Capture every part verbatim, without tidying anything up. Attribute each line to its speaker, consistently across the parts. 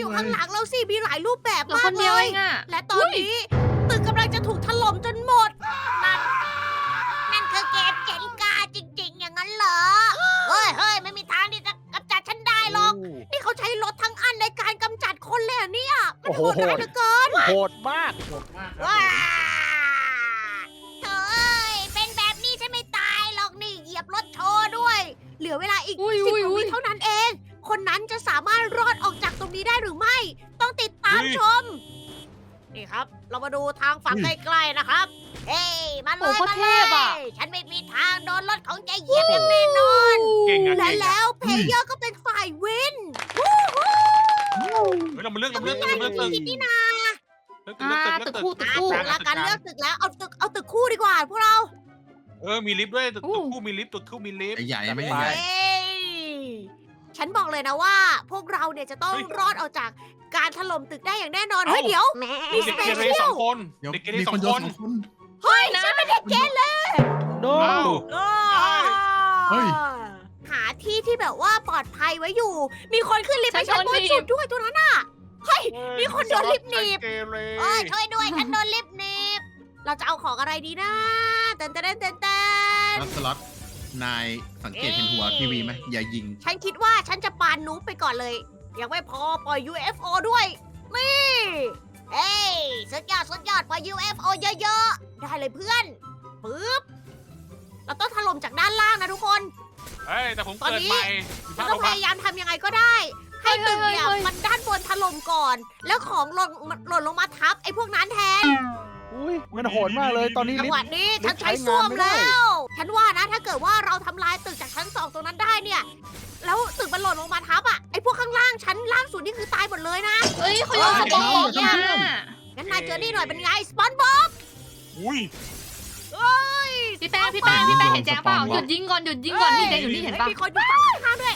Speaker 1: อยู่ข้างหลังเราสิมีหลายรูปแบบ
Speaker 2: เหลือ
Speaker 1: มา
Speaker 2: ค
Speaker 1: ก
Speaker 2: น
Speaker 1: เล
Speaker 2: เดียวย เองอะ
Speaker 1: และตอนนี้ตึกกำลังจะถูกถล่มจนหมด นั่น นั่นคือเกมเจ๋งกาจริงๆ อย่างนั้นเหรอ เฮ้ยเฮ้ยไม่มีทางที่จะกำจัดฉันได้หรอก นี่เขาใช้รถทั้งอันในการกำจัดคนเลยเหรอเนี่ย มันโหดร้ายเหลือเกิน
Speaker 3: โหดมาก
Speaker 4: โหดมากครับ
Speaker 1: ว้าเฮ้ย เป็นแบบนี้ฉันไม่ตายหรอกนี่เหยียบรถโชว์ด้วย เหลือเวลาอีก
Speaker 2: อุ้ย
Speaker 1: สิบ
Speaker 2: อุ้ย
Speaker 1: กว่า
Speaker 2: อุ้
Speaker 1: วิ
Speaker 2: ย
Speaker 1: เท่านั้นเอง คนนั้นจะสามารถรอดออกจากตรงนี้ได้หรือไม่ ต้องติดตามชม นี่ครับ เรามาดูทางฝั่งใกล้ๆนะครับ เฮ้ย มาเล
Speaker 2: โอ้
Speaker 1: ย
Speaker 2: โห
Speaker 1: มา
Speaker 2: เท
Speaker 1: เล
Speaker 2: พอะ
Speaker 1: ย ฉันไม่มีทางโดนรถของแกเหยียบอย่างแน่นอน
Speaker 4: เก่งอะ
Speaker 1: และ
Speaker 4: เก่งอะ
Speaker 1: แล้วเพลเยอร์ก็เป็นฝ่ายวินวู้ฮู้
Speaker 4: เฮ้ยเรามาเลือกเรามาเลือกเรามาเลือกตึก
Speaker 1: คิดนี่นา
Speaker 4: เลือกตึก
Speaker 2: อ่า
Speaker 4: เลือกตึก
Speaker 2: ตึกคู่ตึกคู่
Speaker 1: ถึงเวลาการเลือกตึกแล้ว เอาตึก เอาตึกคู่ดีกว่าพวกเรา
Speaker 4: เออมีลิฟต์ด้วยตึก
Speaker 2: อู้
Speaker 4: ตึกคู่มีลิฟต์ตึกคู่มีลิฟต์
Speaker 5: ใหญ่ๆไม่
Speaker 3: ไป
Speaker 5: ใหญ่
Speaker 1: เฮ้ยฉันบอกเลยนะว่า พวกเราเนี่ยจะต้อง
Speaker 4: เฮ้ย
Speaker 1: รอดออกจากการถล่มตึกได้อย่างแน่นอน
Speaker 4: เอ้า
Speaker 1: เฮ้ยเดี๋ยว มี
Speaker 4: เด็ก
Speaker 1: สเป
Speaker 4: เกเร
Speaker 1: เชีย
Speaker 4: สอ
Speaker 1: ล
Speaker 4: งคน
Speaker 5: ๆเดี๋ยว
Speaker 4: เด็กเกเร
Speaker 5: มี
Speaker 4: สอ
Speaker 5: คน
Speaker 4: ง
Speaker 5: โย
Speaker 4: คน น
Speaker 5: สองคน
Speaker 1: เฮ้ยฉันเป็นเด็กเกเร
Speaker 3: โน
Speaker 4: อ้าว
Speaker 5: เฮ้ย
Speaker 1: หาที่ที่แบบว่าปลอดภัยไว้อยู่ มีคนขึ้นลิฟต์ไป
Speaker 2: ฉั
Speaker 1: ชั้
Speaker 2: น
Speaker 1: นบ
Speaker 2: โด
Speaker 1: น
Speaker 2: นหนีบ
Speaker 1: สุดด้วยตัวนั้นน่ะ เฮ้ย มีคนโดนลิฟต์หนีบ
Speaker 4: เกเร
Speaker 1: เอ้ยช่วยด้วย ฉันโดนลิฟต์หนีบ เราจะเอาของอะไรดีนะเต้นเต้นเต้นเต้น
Speaker 5: แล้วสล็อตนายสังเกตเห็นหัวทีวีไหมอย่ายิง
Speaker 1: ฉันคิดว่าฉันจะปานนูบไปก่อนเลย ยังไม่พอปล่อย ยู เอฟ โอ ด้วย นี่ เอ้ยสุดยอดสุดยอดปล่อย ยู เอฟ โอ เยอะๆ ได้เลยเพื่อน ปึ๊บ เราต้องถล่มจากด้านล่างนะทุกคน
Speaker 4: เฮ้ยแต่ผม
Speaker 1: ตอน
Speaker 4: เกิด
Speaker 1: นี้
Speaker 4: ใหม่
Speaker 1: เรา
Speaker 4: ถ้า
Speaker 1: ต้
Speaker 4: เรา
Speaker 1: องพ
Speaker 4: พัก
Speaker 1: ยายามทำยังไงก็ได้ ให้ตึกเนี่ย
Speaker 2: เฮ้ยเฮ้ยเฮ้ย
Speaker 1: มันด้านบนถล่มก่อน แล้วของหล่นหล่นลงมาทับไอ้พวกนั้นแทน
Speaker 3: อุ้ยมันโหดมากเลยตอนนี้
Speaker 1: จัง
Speaker 3: ลิฟ
Speaker 1: หวะ
Speaker 3: ต์
Speaker 1: นี้
Speaker 3: ลิ
Speaker 1: ฉั
Speaker 3: ฟ
Speaker 1: น
Speaker 3: ต์
Speaker 1: ใช้
Speaker 3: ใช้
Speaker 1: ส้วม
Speaker 3: งานไม่ได้
Speaker 1: แล้ว ฉันว่านะถ้าเกิดว่าเราทำลายตึกจากชั้นสองตรงนั้นได้เนี่ย แล้วตึกมันหล่นลงมาทับอ่ะ ไอ้พวกข้างล่างชั้นล่างสุดนี่คือตายหมดเลยนะ
Speaker 2: เอ้ยเขาโยนสปอนบอล
Speaker 5: เฮ้ย
Speaker 2: เนี่ย
Speaker 1: งั้นนายเจอนี่หน่อยเป็นไง สปอนบ็อก
Speaker 4: อุ้ย
Speaker 2: พี่แป้งพี่แป้งพี่แป้งเห็นแจ๊งเปล่าหยุดยิงก่อนหยุดยิงก่อนนี่แจ๊งอยู่นี่เห็นปะ
Speaker 1: มีคนอยู่ฝั่งข้างๆด้วย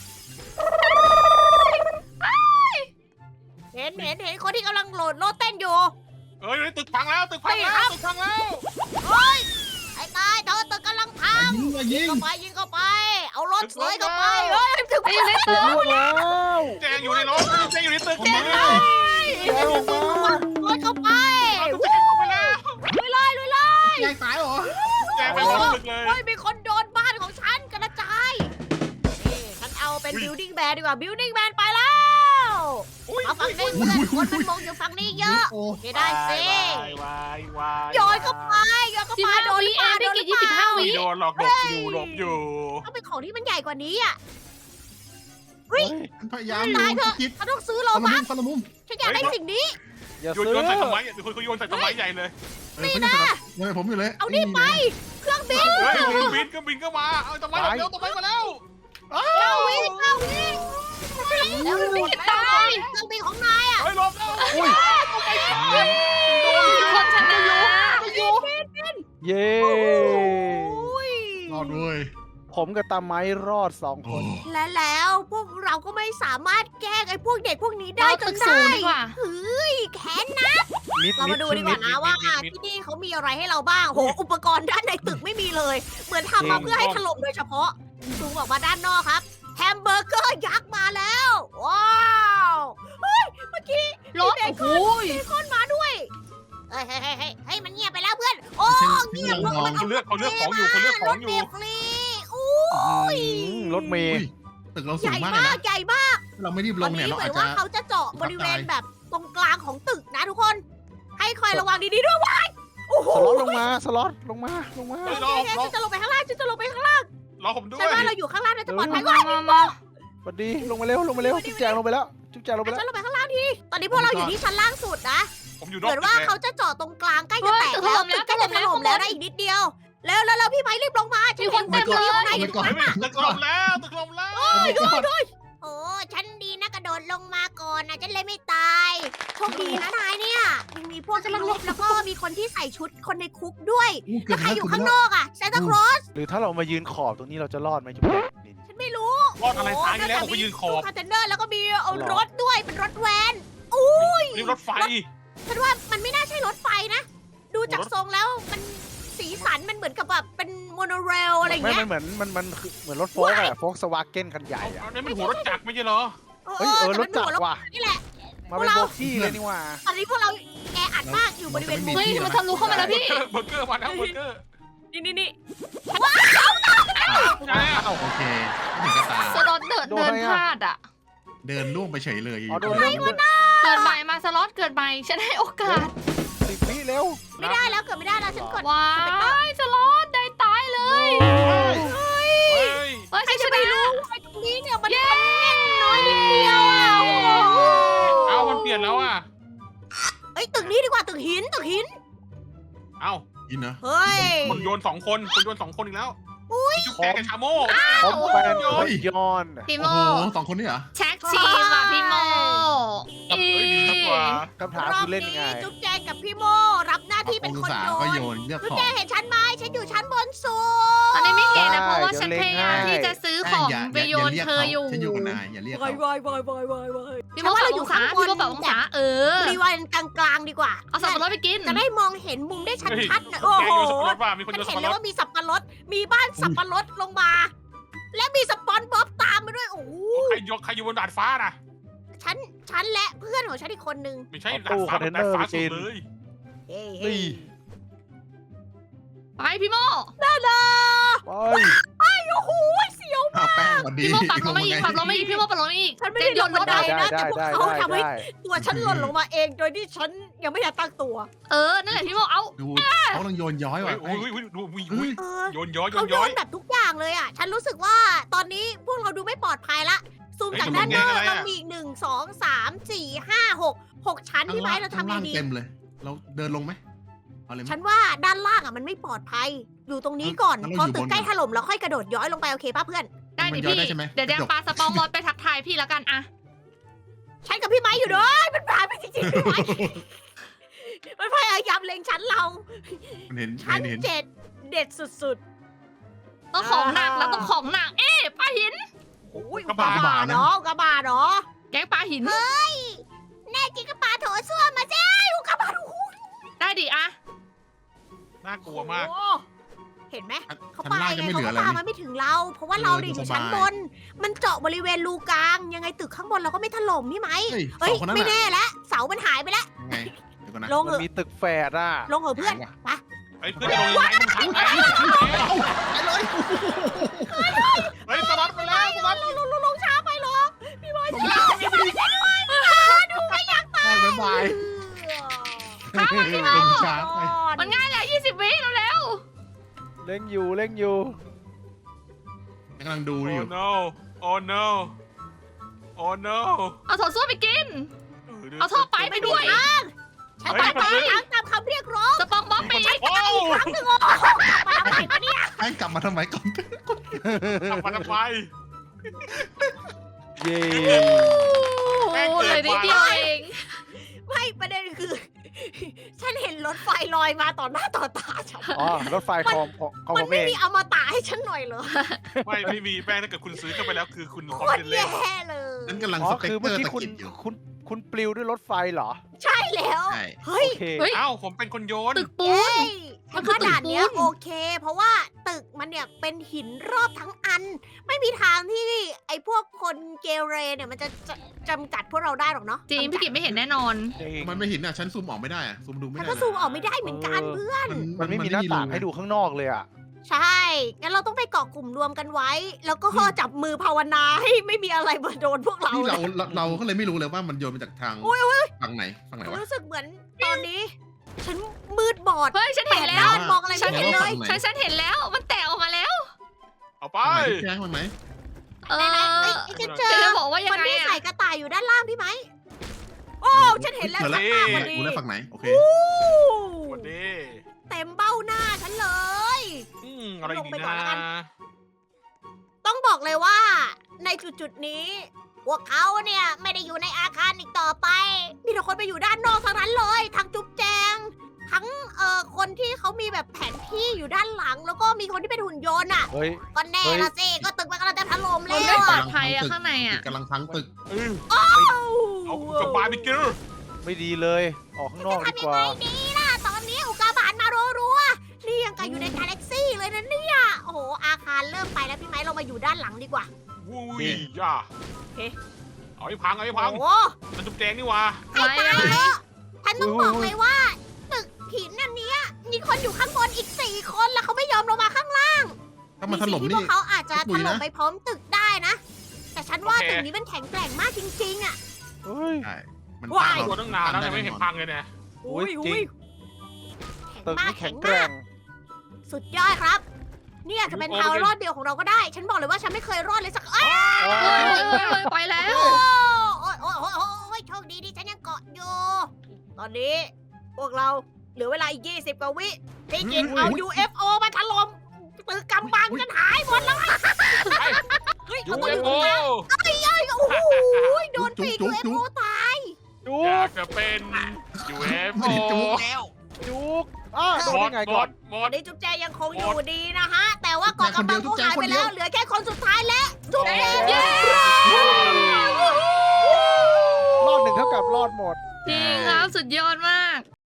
Speaker 1: เห็นเห็นเห็นคนที่กำลังโหลดโลดเต้นอยู่
Speaker 4: เอ้ยตึกพังแล้วตึกพังแล้วตึกพังแล้ว
Speaker 1: ไอ้ตายเธอตึกกำลังพั
Speaker 5: อย่าง ยิงอย่ายิง
Speaker 1: เข้าไปยิงเข้าไป เอารถเสยเข้าไปเฮ้ยถึง
Speaker 2: ไอ้อยู่ใน
Speaker 3: ตึ
Speaker 2: ตึ
Speaker 3: ก
Speaker 2: ก
Speaker 3: ล่วงแล้ว
Speaker 4: แจงอยู่ในรถแจงอยู่ในตึก
Speaker 5: ผมมา
Speaker 4: แจง
Speaker 3: แกลงมาร
Speaker 1: ถเข้าไป
Speaker 4: เอาตึกแจงเข้าไปแล้ว
Speaker 1: ลุยเลยลุยเลย
Speaker 5: ยายตายเหรอ
Speaker 4: แจงไปหมดตึกเลย
Speaker 1: เฮ้ยมีคนโดนบ้านของฉันกระจายนี่ฉันเอาเป็น
Speaker 4: อุ้ย
Speaker 1: building man ดีกว่า building man ไปแล้ว
Speaker 4: อุ้ย
Speaker 1: มาฝั่งนี้เพื่อนคนมันมองอยู่ฝั่งนี้เยอะ
Speaker 5: โอ้
Speaker 1: โอเคได้สิ
Speaker 4: วายวาย
Speaker 1: โยนเข้าไปโยนเข้า
Speaker 2: สิบ
Speaker 1: ไป
Speaker 2: ห้า
Speaker 1: โดนห
Speaker 2: วิ
Speaker 1: รือเปล่าโดนห
Speaker 2: เองพี่
Speaker 1: รือ
Speaker 2: กิจ
Speaker 1: เป
Speaker 2: ยี่สิบห้า
Speaker 1: ล่า
Speaker 2: วิ
Speaker 4: โดนหลอกหลบอยู่หลบอยู่
Speaker 1: ต้องเป็นของที่มันใหญ่กว่านี้อ่ะ เฮ้ย
Speaker 5: ฉันพยายาม
Speaker 1: ตายเถอะ
Speaker 5: คิด
Speaker 1: เราต้องซื้อโล
Speaker 5: คนละ
Speaker 1: บั
Speaker 5: มุ
Speaker 1: ค
Speaker 5: มคนละมุม
Speaker 1: ฉันอยากได้สิ่งนี้
Speaker 3: อย่า
Speaker 4: โยน
Speaker 3: ซื้อ
Speaker 4: โยนใส่ต้นไม้มีคนเขาโยนใส่ต้นไม้ใหญ่เลย
Speaker 5: เออเขาอยู่กับยังไงผมอยู่เลย
Speaker 1: เอานี่ไป เครื่องบิน
Speaker 4: เฮ้ยเครื่องบินเครื่องบินก็มาเอาต้นไม้มาแล้วต้นไม้มาแล้ว
Speaker 1: เก้าวิเก้าวิแล้วเครื่องบิน
Speaker 2: ตาย
Speaker 1: เครื่องบินของนายอ่ะ
Speaker 4: เฮ้ยหลบแล้ว
Speaker 3: อุ้ย
Speaker 2: คนชนะ
Speaker 3: เย้
Speaker 1: อุ้ย
Speaker 5: รอดด้วย
Speaker 3: ผมกับตาไม้รอดสองคน
Speaker 1: และแล้วพวกเราก็ไม่สามารถแกล้งไอ้พวกเด็กพวกนี้ได้
Speaker 2: เรา
Speaker 1: จ
Speaker 2: ตึ
Speaker 1: น
Speaker 2: กสู
Speaker 1: ได้
Speaker 2: งดีกว่า
Speaker 1: เฮ้ยแค้นนะ
Speaker 3: นิด
Speaker 1: เรา
Speaker 3: นิ
Speaker 1: มา
Speaker 3: ด
Speaker 1: ดู
Speaker 3: ขึ้
Speaker 1: ดี
Speaker 3: น
Speaker 1: ก
Speaker 3: นิ
Speaker 1: ว่า
Speaker 3: ด
Speaker 1: นะว่าที่นี่เขามีอะไรให้เราบ้างโหอุปกรณ์ด้านในตึกไม่มีเลย เหมือนทำมาเพื่อให้ถล่มโดยเฉพาะซูมออกมาด้านนอกครับแฮมเบอร์เกอร์ยักษ์มาแล้ว ว้าวเฮ้ยเมื่อกี้
Speaker 2: รถ
Speaker 1: เบ
Speaker 2: โอ้
Speaker 1: ค
Speaker 2: โห
Speaker 1: อนเบคอนมาด้วยเฮ้ยเฮ้ยเฮ้ยเฮ้ยเฮ้ยมันเงียบไปแล้วเพื่อนโอ้เงียบลงมัน
Speaker 4: เขาเลือกเขาเลือกของอยู่เขาเลือกของอยู่
Speaker 1: รถเมล์ฟรีอู้
Speaker 3: อืมรถเม
Speaker 5: อุ้
Speaker 3: ย์
Speaker 5: ยตึกเรา
Speaker 1: ให
Speaker 5: สู
Speaker 1: ญ่
Speaker 5: งมากเลย
Speaker 1: มาก
Speaker 5: นะ
Speaker 1: ใหญ่มาก
Speaker 5: ถ้าเราไม่รีบล
Speaker 1: ตอน
Speaker 5: งเนี่ย
Speaker 1: นี้
Speaker 5: เรา
Speaker 1: เหมื
Speaker 5: อา
Speaker 1: อ
Speaker 5: จ
Speaker 1: น
Speaker 5: จะ
Speaker 1: ว่าเขาจะเจาะบริเวณแบบตรงกลางของตึกนะทุกคน ให้คอยระวังดีๆด้วยว้ายโอ้โห
Speaker 3: สล็อตลงมาสล็อตลงมาลงมา
Speaker 4: เฮ้ยร
Speaker 1: โอ
Speaker 4: อ
Speaker 1: เค
Speaker 4: รอ
Speaker 1: ฉันจะลงไปข้างล่างฉันจะลงไปข้างล่าง
Speaker 4: รอผมด้ว
Speaker 1: ฉัน
Speaker 4: ย
Speaker 1: ว่าเราอยู่ข้างล่างน่าจะปลอดภัย
Speaker 2: มามามา
Speaker 3: สวัสดีลงมาเร็วลงมาเร็วจุ๊บแจงลงไปแล้วจุ๊บแจงลงไป
Speaker 1: อ่ะ
Speaker 3: แล้ว
Speaker 1: ฉันลงไปข้างล่างทีตอนนี้พวกเราอยู่ที่ชั้นล่างสุดนะ
Speaker 4: ผมอยู่น
Speaker 1: เห
Speaker 4: อก
Speaker 1: มือน
Speaker 4: ตึก
Speaker 1: ว่า
Speaker 4: เลย
Speaker 1: เขาจะเจาะตรงกลางใกล้จะแตกแล้วตึกใกล้จะถล่มแล้วนะอีกนิดเดียวแล้วแล้วแล้วพี่ไม้รีบลงมาฉันเห็นคนเดียวในอยู่ตรง
Speaker 4: เฮ้
Speaker 1: นั้
Speaker 4: ย
Speaker 1: นน่ะ
Speaker 4: ตึกถล่มแล้วตึกถล่มแล้ว
Speaker 1: โอ้ฉันดีนะกระโดดลงมาก่อนนะฉันเลยไม่ตายโชคดีนะนายเนี่ยยังมีพวกมนุษย์แล้วก็มีคนที่ใส่ชุดคนในคุกด้วย
Speaker 5: อู้เกื
Speaker 1: แล้
Speaker 5: อ
Speaker 1: ว
Speaker 5: บ
Speaker 1: ใคร
Speaker 5: แล้ว
Speaker 1: อยู่
Speaker 5: เกือบ
Speaker 1: ข้างน
Speaker 5: แล้ว
Speaker 1: อกอ่ะซานตาคลอส
Speaker 3: หรือถ้าเรามายืนขอบตรงนี้เราจะรอดไหมจุ๊บแจงนี่
Speaker 1: ฉันไม่รู้
Speaker 4: รอดอะไรตายแล้วผมไปยืนขอบ
Speaker 1: คอนเทนเนอร์แล้วก็มีเอา
Speaker 3: หรอ
Speaker 1: รถด้วยเป็นรถแวน
Speaker 4: นี่รถไฟ
Speaker 1: ฉันว่ามันไม่น่าใช่รถไฟนะ ดูจากทรงแล้วมันสีสันมันเหมือนกับแบบเป็นโมโนเรลอะไรอย่าง
Speaker 3: ไม่
Speaker 1: เงี้
Speaker 3: มั
Speaker 1: ย
Speaker 3: นเหมือนมันมันคือเหมือนรถโฟล์กอะโฟล์กสวาเกนคันใหญ่อะ
Speaker 4: อันนี้มันหัวรถจักรไม่ใช่เหรอ
Speaker 3: เฮ้ยเออ
Speaker 1: แต่
Speaker 3: ร
Speaker 1: มั
Speaker 3: ถ
Speaker 1: น
Speaker 3: จัก
Speaker 1: หัว
Speaker 3: รว่ะ
Speaker 1: นี่แหละ
Speaker 3: มาเป็นโบกี้เลยนี่หว่า
Speaker 1: ตอนนี้พวกเราแออัดมากอยู่บริเวณมุม
Speaker 2: เฮ้ยมันทะลุเข้ามาแล้วพี่
Speaker 4: เบอร์เกอร์มาแล้วเบอร์เกอร์
Speaker 1: นี่นี่นี่
Speaker 5: โอเคไม่ถึงกระตา
Speaker 2: สล็อตเดินเดินพลาดอ่ะ
Speaker 5: เดินล่วงไปเฉยเลย
Speaker 3: อ๋อโดนเรื่อง
Speaker 2: เกิดใหม่มาสล็อตเกิดใหม่ฉันให้โอกาส
Speaker 3: สิบวิเร็ว
Speaker 1: ไม่ได้แล้วเกิดไม่ได้แล้วฉันกด
Speaker 2: ว้ายสล็อตได้ตายเลย
Speaker 4: เฮ้ย
Speaker 2: เฮ้ย
Speaker 1: ใคร
Speaker 2: ฉันช
Speaker 1: จะไป
Speaker 2: นะ
Speaker 1: รู้ว่าตรงนี้เนี่ยมันมันแน่นน้อยนิดเดียวอ่ะโอ้โห
Speaker 4: เอามันเปลี่ยนแล้วอ่ะ
Speaker 1: เอ้ยตึกนี้ดีกว่าตึกหินตึกหิน
Speaker 4: เอ้า
Speaker 5: ยินนะ
Speaker 1: เฮ้ย
Speaker 4: คนโยนสองคนคนโยนสองคนอีกแล้วมีจุ๊บแจงกับชาโม่
Speaker 3: ผมแฟนคนย้อน
Speaker 2: พี่โม
Speaker 5: โอ้โหสองคนนี่เหรอ
Speaker 2: แท็กทีมอ่ะพี่โม
Speaker 4: เอ้ยดีกว่า
Speaker 3: คำถาม
Speaker 1: รอบ
Speaker 3: คือเล่นยังไง
Speaker 1: นี้จุ๊บแจงกับพี่โมรับหน้าที่เป็นคน
Speaker 5: องศา
Speaker 1: โย
Speaker 5: ก็
Speaker 1: น
Speaker 5: โยนเลือก
Speaker 1: จุ๊บ
Speaker 5: ของ
Speaker 1: แจงเห็นฉันไหมฉันอยู่ชั้นบนสุด
Speaker 2: ตอนนี้ไม่เห็นนะ
Speaker 3: ได้
Speaker 2: เพราะว่า
Speaker 3: เดี๋ยว
Speaker 2: ฉัน
Speaker 3: เล็ง
Speaker 2: พยายาม
Speaker 3: ให้
Speaker 2: ที่จะซื้อของ
Speaker 5: ย่า
Speaker 2: ไปโยน
Speaker 5: รีก
Speaker 2: เธออยู่
Speaker 5: ฉันอยู่กับนายอย่าเรียก
Speaker 1: วา
Speaker 5: เขา
Speaker 1: ยวายวายวายวายวาย
Speaker 2: พี่โมปรับองศาพี่โมปรับองศาเออ
Speaker 1: รีวายกลางๆดีกว่า
Speaker 2: เอาสับปะรดไปกิน
Speaker 1: จะได้มองเห็นมุมได้ชัดๆนะ
Speaker 4: โอ้
Speaker 1: โอ้
Speaker 4: โห
Speaker 1: โห
Speaker 4: โยนสับปะรดว่ามีคน
Speaker 1: ฉั
Speaker 4: โย
Speaker 1: น
Speaker 4: นสั
Speaker 1: เห็
Speaker 4: บ
Speaker 1: น
Speaker 4: ปะ
Speaker 1: เล
Speaker 4: ร
Speaker 1: ย
Speaker 4: ด
Speaker 1: ว่ามีสับปะรด มีบ้านสับปะรดลงมา และมีสปอนบ๊อบตามมาด้วย โอ้โห
Speaker 4: ใครยกใครอยู่บนดาดฟ้าน่ะ
Speaker 1: ฉัน ฉันและเพื่อนของฉันอีกคนนึง
Speaker 4: ไม่ใช่
Speaker 3: เอา
Speaker 4: ดา
Speaker 3: ตู้
Speaker 4: ดฟ้า
Speaker 3: คอนเทนเน
Speaker 4: ดา
Speaker 3: อ
Speaker 4: ด
Speaker 3: ร์
Speaker 4: ฟ้า
Speaker 3: ไปกิ
Speaker 4: สุด
Speaker 3: น
Speaker 4: เลย
Speaker 1: เฮ้ย
Speaker 3: นี่
Speaker 2: ไปพี่โม
Speaker 1: น่ารัก
Speaker 3: ไป
Speaker 1: โอ้โหเสียว
Speaker 5: เอาแป้งก่อนดี
Speaker 2: พี่โมปรับลงมาอีกปรับลงมาอีกพี่โมปรับลงมาอีก
Speaker 1: ฉันไม่
Speaker 2: เจ
Speaker 1: ได้
Speaker 2: นโย
Speaker 1: โย
Speaker 2: น
Speaker 1: น
Speaker 2: ร
Speaker 1: บั
Speaker 2: ถ
Speaker 1: นได
Speaker 2: เอา
Speaker 1: นะแต่พวกเขาทำให้
Speaker 3: ได้
Speaker 1: ตัวฉันหล่นลงมาเองโดยที่ฉันยังไม่ทันตั้งตัว
Speaker 2: เออนั่นแหละพี่โมเอา
Speaker 5: ดูเขาต้องโยนย้อย
Speaker 4: เฮ้
Speaker 5: ว่ะ
Speaker 4: ยโอ้ยโอ้ยดูมี
Speaker 5: เฮ้ย
Speaker 1: เออ
Speaker 4: โยนย้อยโย
Speaker 1: เขา
Speaker 4: น
Speaker 1: โย
Speaker 4: ย้อย
Speaker 1: นแบบทุกอย่างเลยอ่ะ ฉันรู้สึกว่าตอนนี้พวกเราดูไม่ปลอดภัยละ ซูม
Speaker 4: เฮ้ย
Speaker 1: จากด้านนอก
Speaker 4: มันเป็นไงอะไรอะ
Speaker 1: เรามีอีกหนึ่งสองสามสี่ห้าหกหกชั้น
Speaker 5: ข้าง
Speaker 1: พี่ไม้
Speaker 5: ล่าง
Speaker 1: เรา
Speaker 5: ข้าง
Speaker 1: ทำไง
Speaker 5: ล่าง
Speaker 1: ดี
Speaker 5: เต็มเลย เราเดินลงไหมเอาเลยไหม
Speaker 1: ฉันว่าด้านล่างอ่ะมันไม่ปลอดภัย อยู่ตรงนี้ก่อน
Speaker 5: งั้น
Speaker 1: พอ
Speaker 5: เราอยู่
Speaker 1: ตึก
Speaker 5: บน
Speaker 1: ใกล้
Speaker 5: ก่อน
Speaker 1: ถล่มแล้วค่อยกระโดดย้อยลงไปโอเคป่ะเพื่อน
Speaker 2: ได้ดิ
Speaker 5: มันย้อน
Speaker 2: พี่
Speaker 5: ได้ใช่ไหม
Speaker 2: เดี๋ยวแดงปลาสปองบอลไปทักทายพี่แล้วกันอะ
Speaker 1: ฉันกับพี่ไม้อยู่ด้วยมันผ่านไปจริงๆพี่ไม้ มันพยายามเล็งชั้นเรา
Speaker 5: มันเห็น
Speaker 1: ชั้น
Speaker 5: เห็น
Speaker 1: เจ็ดเด็ดสุด
Speaker 2: ต้องของหนักแล้วต้องของหนัก เอ๊ะปลาหิน
Speaker 1: ๆโอ้ยอุกกาบาตเนาะอุกกาบาตเนาะ
Speaker 2: แก๊งปลาหิน
Speaker 1: แน่จริงก็ปาโถส้วมมาสิอุกกาบาตโอ้โห
Speaker 2: ได้ดิอะ
Speaker 4: น่ากลัวมาก
Speaker 1: โอ้เห็นไหม เขา
Speaker 5: ชั้น
Speaker 1: ปา
Speaker 5: ล่าง
Speaker 1: ไง
Speaker 5: จะไม่เห
Speaker 1: เขา
Speaker 5: ลือ
Speaker 1: ก็
Speaker 5: อะไร
Speaker 1: ปามันไม่ถึงเรา เพราะว่าเราเนี่ยอยู่ชั้นบน มันเจาะบริเวณรูกลาง ยังไงตึกข้างบนเราก็ไม่ถล่มพี่ไหม
Speaker 5: เฮ้ย
Speaker 1: เฮ้
Speaker 5: ส
Speaker 1: ย
Speaker 5: องคนนั้น
Speaker 1: ไม่
Speaker 5: น่ะ
Speaker 1: แน่แล้วเสามันหายไปแล้ว
Speaker 5: ยังไงเดี๋ยวก่อนนะ
Speaker 1: ลง
Speaker 3: มั
Speaker 1: เห
Speaker 3: น
Speaker 1: อะ
Speaker 3: มีตึกแฝดอ่ะ
Speaker 1: ลงเหอะเพื่อนไป
Speaker 4: เฮ้ยเพื่อนจะลงยังไงมันทันแล้วเฮ้ยสลัดไปแล้วสลัด
Speaker 1: ลงลงลงลงช้าไปเหรอพี่บอยช้าพี่บอยช่วยด้วยดูไม่อยากตาย
Speaker 5: บ๊ายบาย
Speaker 2: ข้ามมาพี่โม
Speaker 5: ลงช้าไป
Speaker 2: มันง่ายเลยยี่สิบวิแล้วแล้ว
Speaker 3: เล่งอยู่เล่งอยู่
Speaker 5: กำลังดู
Speaker 4: โอ้
Speaker 5: อยู่
Speaker 4: no โอ้ no โอ้ no
Speaker 2: เอาโถส้วมไปกิน เอาท่อไปไปด้วย
Speaker 1: ฉันไปไปตามตามคำเรียกร้อง
Speaker 2: สปองบอลไปอีก
Speaker 4: โอ้
Speaker 1: ครั้งหนึ่งโอ้มาทำไมวะเนี่ย
Speaker 5: แป้งกลับมาทำไมก่อน
Speaker 4: ทำมันทำไม
Speaker 3: เย้
Speaker 2: โอ้โหเลยนิดเดียวเอง
Speaker 1: ไม่ประเด็นคือ ฉันเห็นรถไฟลอยมาต่อหน้าต่อตาฉัน
Speaker 3: อ๋อรถไฟของของของ
Speaker 1: มั
Speaker 3: ผ
Speaker 1: น
Speaker 3: ม
Speaker 1: ไม่
Speaker 3: เอง
Speaker 1: มีอมตะให้ฉันหน่อยเหรอ
Speaker 4: ไม่ไม่มีแป้งถ้าเกิดคุณซื้อเข้าไปแล้วคือคุณพ
Speaker 1: โค
Speaker 4: ร้อม
Speaker 1: ตร
Speaker 4: เล่น
Speaker 1: แย่เลย
Speaker 5: ฉันกำลัง
Speaker 3: อ๋อ
Speaker 5: สเปก
Speaker 3: คือ
Speaker 5: เตอ
Speaker 3: เมื่อ
Speaker 5: ร์
Speaker 3: กี้
Speaker 5: ตะ
Speaker 3: คุณ
Speaker 5: กิดอยู่
Speaker 3: คุณคุณปลิวด้วยรถไฟเหรอ
Speaker 1: ใช่แล้ว
Speaker 5: ใช่
Speaker 1: เฮ้ย
Speaker 3: โอเค
Speaker 2: เฮ้ย
Speaker 4: เอ้าผมเป็นคนโยน
Speaker 2: ตึกปูน มั
Speaker 1: มัน
Speaker 2: นคือ
Speaker 1: ขนาดเนี้ย
Speaker 2: ตึกปูน
Speaker 1: โอเค เพราะว่าตึกมันเนี่ยเป็นหินรอบทั้งอัน ไม่มีทางที่ไอ้พวกคนเกเรเนี่ยมันจะจะจำกัดพวกเราได้หรอกเนาะ
Speaker 2: จริงพี่กิจไม่เห็นแน่นอน
Speaker 3: จริง
Speaker 5: มันไม่เห็นอ่ะฉันซูมออกไม่ได้อ่ะซูมดูไม่
Speaker 1: ฉัน
Speaker 5: ได้
Speaker 1: ก็ซูมออกไม่ได้เหมือนกันเพื่อน
Speaker 3: มันไม่มีหน้าต่างให้ดูข้างนอกเลยอ่ะ
Speaker 1: ใช่ งั้นเราต้องไปเกาะกลุ่มรวมกันไว้ แล้วก็จับมือภาวนาให้ไม่มีอะไรมาโดนพวกเรา
Speaker 5: นี่
Speaker 1: เล
Speaker 5: เรา
Speaker 1: ย
Speaker 5: เราเราก็เลยไม่รู้เลยว่ามันโยนมาจากทาง
Speaker 1: อุ๊ย
Speaker 5: ฝั่งไหนฝั่งไหนวะ
Speaker 1: รู้สึกเหมือนตอนนี้ ฉันมืดบอด
Speaker 2: เฮ้ยฉัน
Speaker 1: แป
Speaker 2: เห็น
Speaker 1: ด
Speaker 2: แล้ว
Speaker 1: ด้านมองอะไร
Speaker 2: ฉั
Speaker 1: ไม่
Speaker 2: น
Speaker 1: เห็
Speaker 2: เห็
Speaker 1: น
Speaker 2: น
Speaker 1: เล
Speaker 2: เลย ยฉันฉันเห็นแล้ว มันแตกออกมาแล้ว
Speaker 4: เอาไป
Speaker 5: ฝั่งไหนแจ้งฝั่งไหน
Speaker 2: เอ
Speaker 1: ไหนๆเอ้ย
Speaker 2: อ
Speaker 1: ฉันเจอ
Speaker 2: จะบอกว่ายัง
Speaker 1: มัน
Speaker 2: ไง
Speaker 1: มี
Speaker 2: อะ
Speaker 1: ใส่กระต่ายอยู่ด้านล่างพี่ไหม โอ้ ฉันเห็นแล้ว
Speaker 5: เจอ
Speaker 1: ชัดมากพอดี
Speaker 5: กูได้ฝั่งไหนโอเค
Speaker 4: สวัสดี
Speaker 1: เต็มเบ้าหน้าฉันเลย
Speaker 4: อืมอะไร
Speaker 1: ลง
Speaker 4: ดี
Speaker 1: ไปก่อนแล้วกัน
Speaker 4: นะ
Speaker 1: ต้องบอกเลยว่า ในจุดๆนี้ พวกเขาเนี่ยไม่ได้อยู่ในอาคารอีกต่อไป มีแต่คนไปอยู่ด้านนอกทั้งนั้นเลย ทั้งจุ๊บแจง ทั้งเอ่อคนที่เขามีแบบแผนที่อยู่ด้านหลัง แล้วก็มีคนที่เป็นหุ่นยนต์อ่ะ
Speaker 3: เฮ้ย
Speaker 1: ก็แน่
Speaker 3: เฮ้ย
Speaker 1: ละสิ ก็ตึกมันกำลังจะถล่ม
Speaker 2: มั
Speaker 1: แล้
Speaker 2: นไม่
Speaker 1: ว
Speaker 2: ปลอ
Speaker 1: อะ
Speaker 2: ดภัยอะข้างในอะ
Speaker 5: กำลังพังตึก
Speaker 4: เออ
Speaker 1: เอ้า
Speaker 4: เอากับบาร์บีคิว
Speaker 3: ไม่ดีเลย ออกข้างนอกดี
Speaker 1: ทำ
Speaker 3: ก
Speaker 1: ยัง
Speaker 3: ว่า
Speaker 1: ไงดีล่ะ ตอนนี้อุกกาบาตมารัวๆนี่ยังกับอยู่ในกาแล็กซี่เลยนะเนี่ย โอ้โห อาคารเริ่มไปแล้วพี่ไม้เรามาอยู่ด้านหลังดีกว่า
Speaker 4: วุ้ยย่าเอาให้พังเอาให้พัง
Speaker 1: โอ้
Speaker 4: มันจุ๊บแจงนี่หว่า
Speaker 1: ให้ตายเถอะฉันต้องบอกเลยว่าตึกหินอันเนี้ยมีคนอยู่ข้างบนอีกสี่คนแล้วเขาไม่ยอมลงมาข้างล่าง
Speaker 5: ถ้ามันถล่ม
Speaker 1: สิ่งที่พ
Speaker 5: นี่
Speaker 1: วกเขาอาจจะ
Speaker 5: ปุ
Speaker 1: ถ
Speaker 5: ยนะ
Speaker 1: ล่มไปพร้อมตึกได้นะ แต่ฉันว่าตึกนี้มันแข็งแกร่งมากจริงๆอ่ะ
Speaker 3: เฮ้ย
Speaker 5: ใช่มัน
Speaker 1: ว้าย
Speaker 5: สร้
Speaker 4: ตัว
Speaker 5: เร
Speaker 4: ตั้งนานแล้ว
Speaker 5: ได้
Speaker 4: ยังไม่เห็นพังเลยเนี่ย
Speaker 3: โอ้ยจริง
Speaker 1: แข็ง
Speaker 3: ตึก
Speaker 1: มาก
Speaker 3: นี่
Speaker 1: แข็
Speaker 3: แข็
Speaker 1: ง
Speaker 3: งแก
Speaker 1: มา
Speaker 3: ร่
Speaker 1: ก
Speaker 3: ง
Speaker 1: สุดยอดครับ นี่อาจจะเป็นทางรอดเดียวของเราก็ได้ ฉันบอกเลยว่าฉันไม่เคยรอดเลยสักเอ้ย
Speaker 3: โอ้
Speaker 2: เฮ้ย
Speaker 3: ย
Speaker 2: เฮ้ยเฮ้ยไปแล้ว
Speaker 1: โอ้ยโอ้ยโอ้ยโอ้ยโชคดีที่ฉันยังเกาะอยู่ ตอนนี้พวกเราเหลือเวลาอีกยี่สิบกว่าวิพี่กินเอา ยู เอฟ โอ มาถล่มตึกกำบังกันหายหมดแล้วอะเฮ้ย
Speaker 4: ยู
Speaker 1: เอาตัว
Speaker 4: เอ
Speaker 1: นี้
Speaker 4: ฟโอ
Speaker 1: โอ้โหโดนปีก ยู เอฟ โอ ตาย
Speaker 3: จุ
Speaker 4: อยาก กจะเป็นยูเอฟโอ
Speaker 5: ไม่ได้จุกแล้ว
Speaker 3: จุกอ้าโดน
Speaker 4: หม
Speaker 3: ได้
Speaker 4: ด
Speaker 3: ไง
Speaker 4: หม
Speaker 3: ก่อน
Speaker 4: ดหม
Speaker 1: ตอ
Speaker 4: ด
Speaker 1: นนี้จุ๊บแจยังคงอยู่ดีนะฮะ แต่ว่าเกาะกำบังเขาหายไปแล้ว เหลือแค่คนสุดท้ายแล้ว จุ๊บแจ
Speaker 2: เย้
Speaker 3: รอดหนึ่งเท่ากับรอดหมด
Speaker 2: จริงครับสุดยอดมาก